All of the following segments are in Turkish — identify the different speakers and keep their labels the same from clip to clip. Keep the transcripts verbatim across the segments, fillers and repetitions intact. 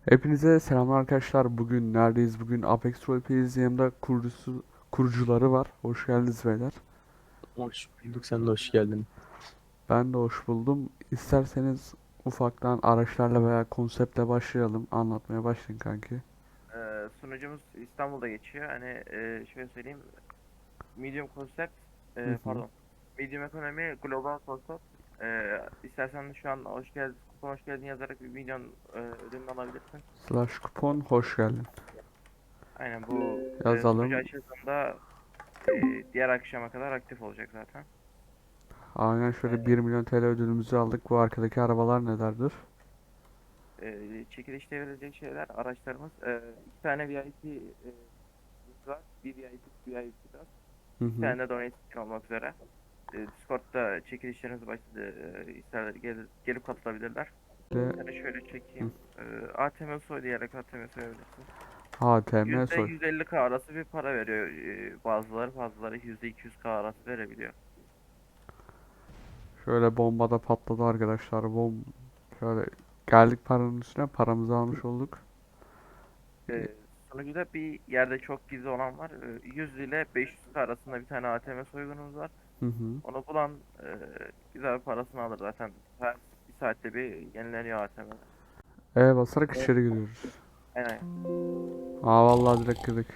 Speaker 1: Hepinize selamlar arkadaşlar. Bugün neredeyiz? Bugün Apex Roleplays yanımda kurucusu, kurucuları var. Hoş geldiniz beyler.
Speaker 2: Hoş bulduk. Sen de hoş geldin.
Speaker 1: Ben de hoş buldum. İsterseniz ufaktan araçlarla veya konseptle başlayalım. Anlatmaya başlayın kanki.
Speaker 3: Ee, sunucumuz İstanbul'da geçiyor. Hani e, şöyle söyleyeyim. Medium Concept,
Speaker 1: Hı
Speaker 3: e,
Speaker 1: hı.
Speaker 3: pardon. Medium Ekonomi, Global Concept. Ee, istersen şu an hoş geldin, kupon hoş geldin yazarak bir milyon e, ödülünü alabilirsin.
Speaker 1: Slash kupon hoş geldin.
Speaker 3: Aynen bu e, sunucu
Speaker 1: Yazalım.
Speaker 3: açıldığında e, diğer akşama kadar aktif olacak zaten.
Speaker 1: Aynen şöyle
Speaker 3: E,
Speaker 1: bir milyon T L ödülümüzü aldık. Bu arkadaki arabalar nelerdir?
Speaker 3: e, çekilişte verilecek şeyler, araçlarımız. E, iki tane V I P e, var. Bir V I P, V I P var.
Speaker 1: Hı
Speaker 3: Bir
Speaker 1: hı.
Speaker 3: tane de donation olmak üzere. E, Discord'da çekilişlerimiz başladı. E, isterler gel, gelip katılabilirler.
Speaker 1: De
Speaker 3: Yani şöyle
Speaker 1: hı.
Speaker 3: çekeyim. E, A T M soy diyerek A T M soyabilirsin.
Speaker 1: H T M
Speaker 3: Yüzde
Speaker 1: soy.
Speaker 3: yüz elli K arası bir para veriyor. E, bazıları bazıları yüzde iki yüz K arası verebiliyor.
Speaker 1: Şöyle bombada patladı arkadaşlar. Bom şöyle geldik paranın üstüne. Paramızı almış olduk.
Speaker 3: E, Sunucuda bir yerde çok gizli olan var. E, yüz ile beş yüz K arasında bir tane A T M soygunumuz var.
Speaker 1: Hı hı.
Speaker 3: Onu bulan e, güzel bir parasını alır zaten. Her bir saatte bir yenileniyor A T M'ler.
Speaker 1: E basarak
Speaker 3: Evet.
Speaker 1: içeri giriyoruz.
Speaker 3: Aynen.
Speaker 1: Aa vallahi direkt girdik.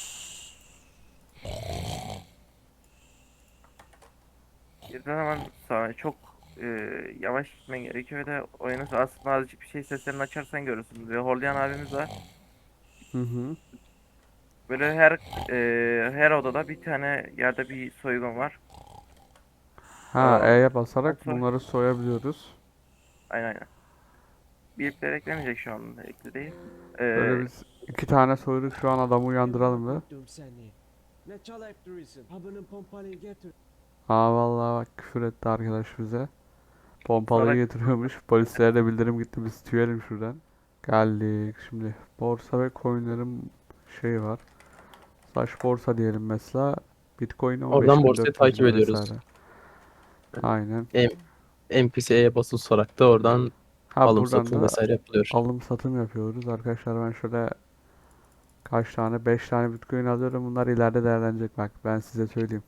Speaker 3: Girdiğin zaman sana çok e, yavaş gitmen gerekiyor ve de oyunun aslında azıcık bir şey seslerini açarsan görürsün. Ve Horlayan abimiz var.
Speaker 1: Hı hı.
Speaker 3: Böyle her e, her odada bir tane yerde bir soygun var.
Speaker 1: Ha
Speaker 3: O,
Speaker 1: E'ye
Speaker 3: o
Speaker 1: basarak
Speaker 3: soy
Speaker 1: bunları soyabiliyoruz.
Speaker 3: aynen aynen. Bipler eklemeyecek şu an ekli değil.
Speaker 1: Şöyle
Speaker 3: E,
Speaker 1: biz iki tane soyduk şu an adamı
Speaker 4: Emrah
Speaker 1: uyandıralım be.
Speaker 4: koydum seni. Ne çalayıp duruyorsun? Havanın pompalıyı getir.
Speaker 1: Aa vallahi bak küfür etti arkadaş bize.
Speaker 3: sonra
Speaker 1: Pompalıyı getiriyormuş. Polislere de bildirim gitti biz tüyelim şuradan. Geldik şimdi. Borsa ve coinlerin şeyi var. Slash borsa diyelim mesela. Bitcoin
Speaker 2: Oradan
Speaker 1: on beş bin
Speaker 2: borsayı
Speaker 1: dört yüz
Speaker 2: takip
Speaker 1: lira
Speaker 2: ediyoruz.
Speaker 1: vesaire. Aynen.
Speaker 2: M NPC'ye basılı tutarak da oradan
Speaker 1: Ha
Speaker 2: alım
Speaker 1: buradan
Speaker 2: satım
Speaker 1: da
Speaker 2: vesaire yapılıyor.
Speaker 1: alım satım yapıyoruz. Arkadaşlar ben şöyle kaç tane? Beş tane Bitcoin alıyorum. Bunlar ileride değerlenecek bak. Ben size söyleyeyim.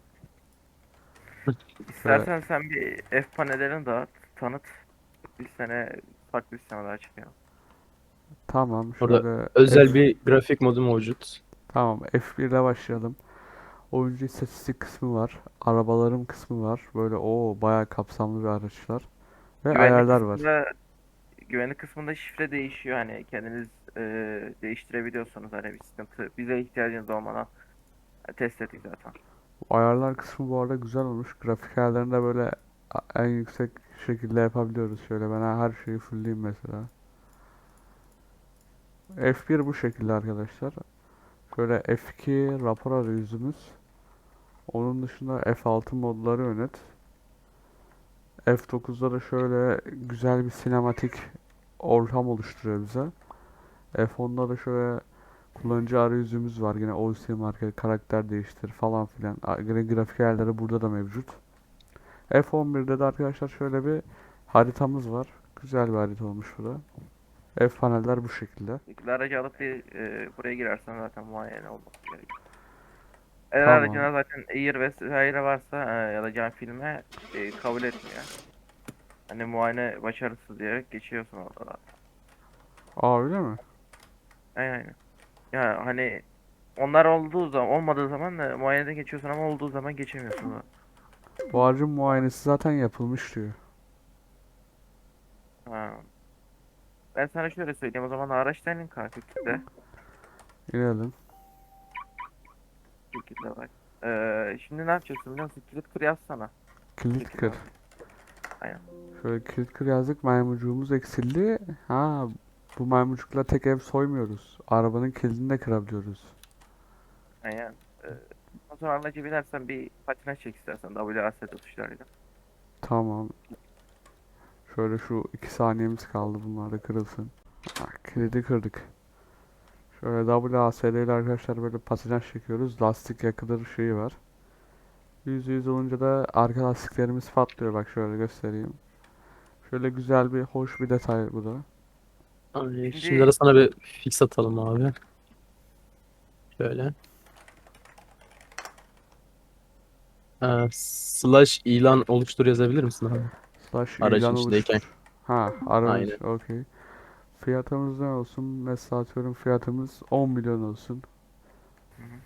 Speaker 1: Şöyle
Speaker 3: istersen sen bir F panellerini dağıt, tanıt. Bir sene farklı bir sene daha çıkıyor.
Speaker 1: tamam.
Speaker 2: Orada
Speaker 1: Şöyle F
Speaker 2: özel bir grafik modu mevcut.
Speaker 1: tamam F bir ile başlayalım. Oyuncu istatistik kısmı var. Arabalarım kısmı var. Böyle o bayağı kapsamlı bir araçlar. Ve
Speaker 3: Güvenlik
Speaker 1: ayarlar var.
Speaker 3: kısmında güvenlik kısmında şifre değişiyor. Hani kendiniz e, değiştirebiliyorsunuz. Hani bir sıkıntı bize ihtiyacınız olmadan e, test ettik zaten.
Speaker 1: Bu ayarlar kısmı bu arada güzel olmuş. Grafik ayarlarını da böyle en yüksek şekilde yapabiliyoruz. Şöyle ben her şeyi fullleyeyim mesela. F bir bu şekilde arkadaşlar. Şöyle F iki rapor arayüzümüz. Onun dışında F altı modları yönet. F dokuzda da şöyle güzel bir sinematik ortam oluşturuyor bize. F onda da şöyle kullanıcı arayüzümüz var. Yine O C market, karakter değiştir falan filan. A- Yine grafik ayarları burada da mevcut. F on birde de arkadaşlar şöyle bir haritamız var. Güzel bir harita olmuş bu da. F paneller bu şekilde.
Speaker 3: Şekilde aracı alıp bir e, buraya girersen zaten muayene olması gerekiyor. Eğer
Speaker 1: Tamam.
Speaker 3: aracına zaten Air vesaire varsa e, ya da cam filme e, kabul etmiyor. Hani muayene başarısız diyerek geçiyorsun orada da.
Speaker 1: Aa öyle mi?
Speaker 3: Aynen aynen. Ya hani onlar olduğu zaman olmadığı zaman da muayeneden geçiyorsun ama olduğu zaman geçemiyorsun da.
Speaker 1: Bu aracın muayenesi zaten yapılmış diyor.
Speaker 3: Ha. Ben sana şöyle söyleyeyim o zaman araçtan in kanka kitle.
Speaker 1: İnelim.
Speaker 3: Şekilde bak. Ee, şimdi ne yapacaksın biliyor musun? Kilit kır yazsana. Bu
Speaker 1: Kilit
Speaker 3: şekilde
Speaker 1: kır.
Speaker 3: bak. Aynen.
Speaker 1: Şöyle kilit kır yazdık. Maymuncuğumuz eksildi. Ha bu maymuncukla tek ev soymuyoruz. Arabanın kilidini de kırabiliyoruz.
Speaker 3: Aynen. Ee, o sonra aracı binersen bir patinaj çek istersen W A S D tuşlarıyla.
Speaker 1: Tamam. Şöyle şu iki saniyemiz kaldı. Bunlar da kırılsın. Ha, kilidi kırdık. Şöyle W A S D ile arkadaşlar böyle patinaj çekiyoruz. Lastik yakılır şeyi var. Yüzde yüz olunca da arka lastiklerimiz patlıyor. Bak şöyle göstereyim. Şöyle güzel bir hoş bir detay bu da.
Speaker 2: Ay,
Speaker 3: Şimdi-
Speaker 2: Şimdi de sana bir fix atalım abi. Şöyle. Ee, slash ilan oluştur yazabilir misin abi?
Speaker 1: Slash
Speaker 2: Aracın
Speaker 1: ilan
Speaker 2: içindeyken.
Speaker 1: oluştur. Ha, aranız.
Speaker 2: Aynen.
Speaker 1: Okey. Fiyatımız ne olsun? Mesela atıyorum fiyatımız on milyon olsun.
Speaker 3: Hı hı.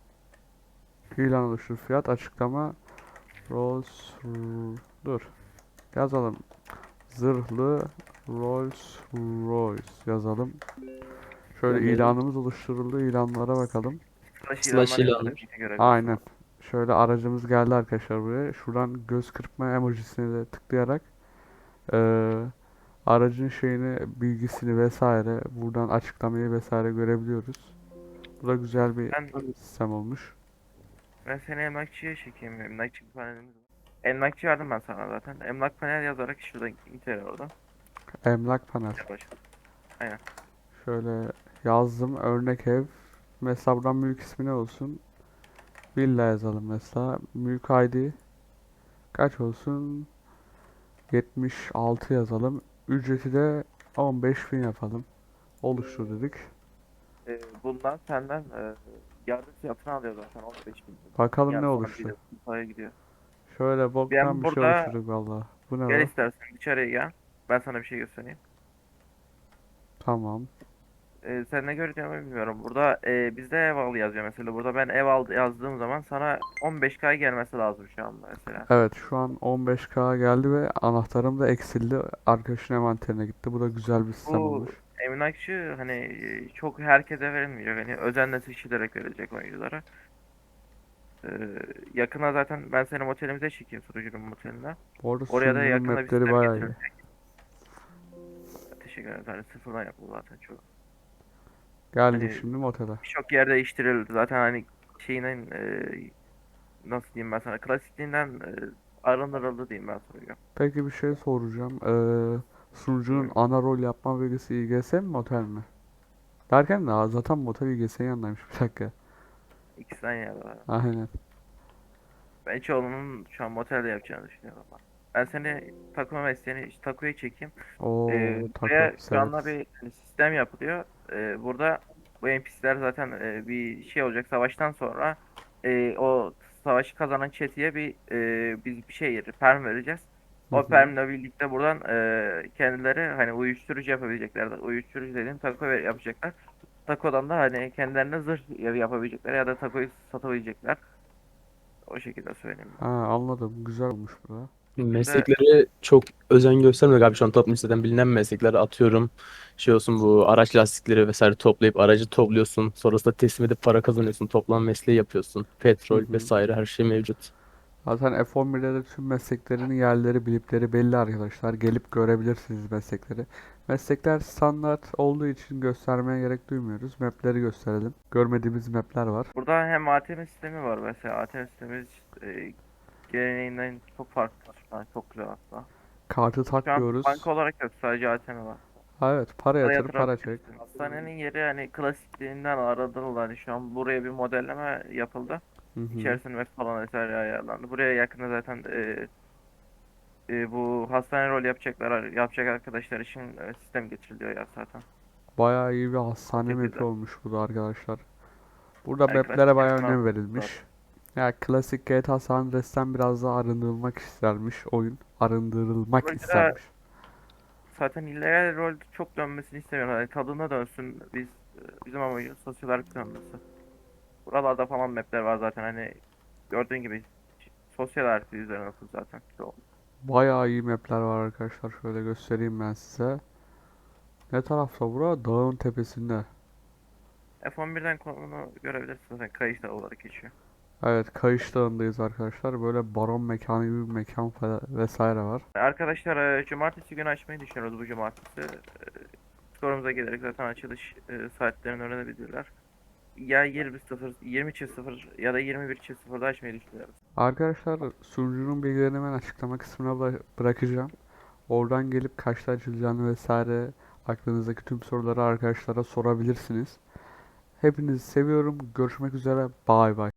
Speaker 1: İlan oluştur fiyat açıklama. Rolls dur. Yazalım. Zırhlı Rolls Royce yazalım. Şöyle
Speaker 2: Gönderelim.
Speaker 1: ilanımız oluşturuldu. İlanlara bakalım.
Speaker 3: Slash
Speaker 2: Slash
Speaker 3: ilanlar
Speaker 2: ilanlar.
Speaker 3: yazılı görebiliyorsun.
Speaker 1: Aynen. Şöyle aracımız geldi arkadaşlar buraya. Şuradan göz kırpma emojisine de tıklayarak eee, aracın şeyini, bilgisini vesaire buradan açıklamayı vesaire görebiliyoruz. Bu da güzel bir
Speaker 3: Ben,
Speaker 1: sistem olmuş.
Speaker 3: ben seni emlakçıya çekeyim. Emlakçı bir panelimiz var. Emlakçı verdim ben sana zaten. Emlak panel yazarak şuradan inter oradan.
Speaker 1: Emlak panel.
Speaker 3: Gel başla. Aynen.
Speaker 1: Şöyle yazdım örnek ev. Mesela buradan mülk ismi ne olsun? Villa yazalım mesela. Mülk I D kaç olsun? yetmiş altı yazalım. Ücreti de on beş bin yapalım. Oluştur dedik.
Speaker 3: Ee, bundan senden e, yardım fiyatını alıyor zaten on beş bin.
Speaker 1: Bakalım ne
Speaker 3: Yani sonra
Speaker 1: oluştu.
Speaker 3: bir paraya gidiyor.
Speaker 1: Şöyle boktan
Speaker 3: Ben
Speaker 1: bir şey
Speaker 3: burada
Speaker 1: oluşturduk valla. Bu ne
Speaker 3: gel
Speaker 1: lan?
Speaker 3: istersen içeriye gel. Ben sana bir şey göstereyim.
Speaker 1: Tamam.
Speaker 3: Ee, sen ne göreceğimi bilmiyorum. Burada e, bizde ev al yazıyor mesela. Burada ben ev al yazdığım zaman sana on beş K gelmesi lazım şu anda mesela.
Speaker 1: Evet şu an on beş K geldi ve anahtarım da eksildi. Arkadaşın envanterine gitti. Bu da güzel bir sistem
Speaker 3: Bu
Speaker 1: olmuş.
Speaker 3: emlakçı hani e, çok herkese verilmeyecek. Hani özenle seçilerek verilecek oyunculara. Ee, yakına zaten ben seni motelimize çekeyim, sunucunun moteline.
Speaker 1: Bu arada
Speaker 3: Oraya da
Speaker 1: sunucunun
Speaker 3: yakında bir
Speaker 1: mapleri
Speaker 3: sistem
Speaker 1: bayağı iyi.
Speaker 3: getirilecek. Teşekkür ederim. Hani sıfırdan yapıldı zaten çok.
Speaker 1: Geldik
Speaker 3: Hani
Speaker 1: şimdi motele.
Speaker 3: birçok yer değiştirildi. Zaten hani şeyinin e, nasıl diyeyim ben sana, klasikliğinden e, arındırıldı diyeyim ben sana.
Speaker 1: Peki bir şey soracağım. Ee, sunucunun
Speaker 3: Buyurun.
Speaker 1: ana rol yapma bilgisi İ G S mi motel mi? Derken de zaten motel İ G S'nin yanındaymış. Bir dakika.
Speaker 3: İkisinden yana var.
Speaker 1: Aynen.
Speaker 3: Ben çoğunun şu an motelde yapacağını düşünüyorum ama. Ben seni takma mesleğini, işte takoya çekeyim. Ee,
Speaker 1: Oo taco
Speaker 3: buraya şu anda
Speaker 1: severiz.
Speaker 3: bir hani sistem yapılıyor. Ee, burada bu N P C'ler zaten e, bir şey olacak savaştan sonra e, o savaşı kazanan çeteye bir e, biz bir şey perm vereceğiz.
Speaker 1: Hı
Speaker 3: O
Speaker 1: hı.
Speaker 3: permle birlikte buradan e, kendileri hani uyuşturucu yapabilecekler. Uyuşturucu dediğim taco ver- yapacaklar. Takodan da hani kendilerine zırh yapabilecekler ya da takoyu satabilecekler. O şekilde söyleyeyim.
Speaker 1: Ha, anladım. Güzel olmuş bu da.
Speaker 3: Şimdi
Speaker 2: Meslekleri çok özen göstermiyor abi şu an toplum listeden bilinen meslekler atıyorum. Şey olsun bu araç lastikleri vesaire toplayıp aracı topluyorsun. Sonrasında teslim edip para kazanıyorsun. Toplam mesleği yapıyorsun.
Speaker 1: Hı
Speaker 2: Petrol
Speaker 1: hı.
Speaker 2: vesaire her şey mevcut.
Speaker 1: Zaten F on birde de tüm mesleklerin yerleri, bilipleri belli arkadaşlar. Gelip görebilirsiniz meslekleri. Meslekler standart olduğu için göstermeye gerek duymuyoruz. Map'leri gösterelim. Görmediğimiz map'ler var.
Speaker 3: burada hem A T M sistemi var mesela. A T M sistemimiz e, geleneğinden çok farklı. Yani çok güzel hatta.
Speaker 1: Kartı
Speaker 3: Şu an
Speaker 1: takmıyoruz.
Speaker 3: banka olarak yok, sadece A T M var.
Speaker 1: Ha, evet, para
Speaker 3: Para
Speaker 1: yatır, para çek.
Speaker 3: yatırabilirsin. Hastanenin yeri hani klasikliğinden aradılar. Hani şu an buraya bir modelleme yapıldı.
Speaker 1: Hı hı.
Speaker 3: İçerisinde map falan vesaire ayarlandı. Buraya yakında zaten e, e, bu hastane rol yapacaklar yapacak arkadaşlar için e, sistem getiriliyor ya zaten.
Speaker 1: Bayağı iyi bir
Speaker 3: O
Speaker 1: hastane map'i
Speaker 3: şekilde.
Speaker 1: olmuş bu da arkadaşlar. Burada
Speaker 3: Yani
Speaker 1: map'lere
Speaker 3: klasik
Speaker 1: bayağı
Speaker 3: yapılan
Speaker 1: önem
Speaker 3: var.
Speaker 1: verilmiş. Ya klasik G T A San Andreas'ten biraz daha arındırılmak istermiş oyun. Arındırılmak
Speaker 3: Burada
Speaker 1: istermiş.
Speaker 3: zaten illegal rol çok dönmesini istemiyorum. Hani tadına dönsün. Biz bizim amacımız sosyal olarak dönmesi. Buralarda falan mapler var zaten, hani gördüğün gibi sosyal harita üzerine nasıl zaten. Çoğu.
Speaker 1: Bayağı iyi map'ler var arkadaşlar. Şöyle göstereyim ben size. Ne tarafta bura? Dağın tepesinde.
Speaker 3: F on birden konumunu görebilirsin, zaten Kayış Dağı olarak geçiyor.
Speaker 1: Evet, Kayış Dağı'ndayız arkadaşlar. Böyle baron mekanı gibi bir mekan falan vesaire var.
Speaker 3: Arkadaşlar e, cumartesi günü açmayı düşünüyoruz bu cumartesi. E, Skorumuza gelerek zaten açılış e, saatlerini öğrenebilirler. Ya yirmi sıfır, yirmi sıfır ya da yirmi bir sıfırda açmayı düşünüyoruz.
Speaker 1: Arkadaşlar sunucunun bilgilerini ben açıklama kısmına bıra- bırakacağım. Oradan gelip kaçta açılacağını vesaire aklınızdaki tüm soruları arkadaşlara sorabilirsiniz. Hepinizi seviyorum. Görüşmek üzere. Bay bay.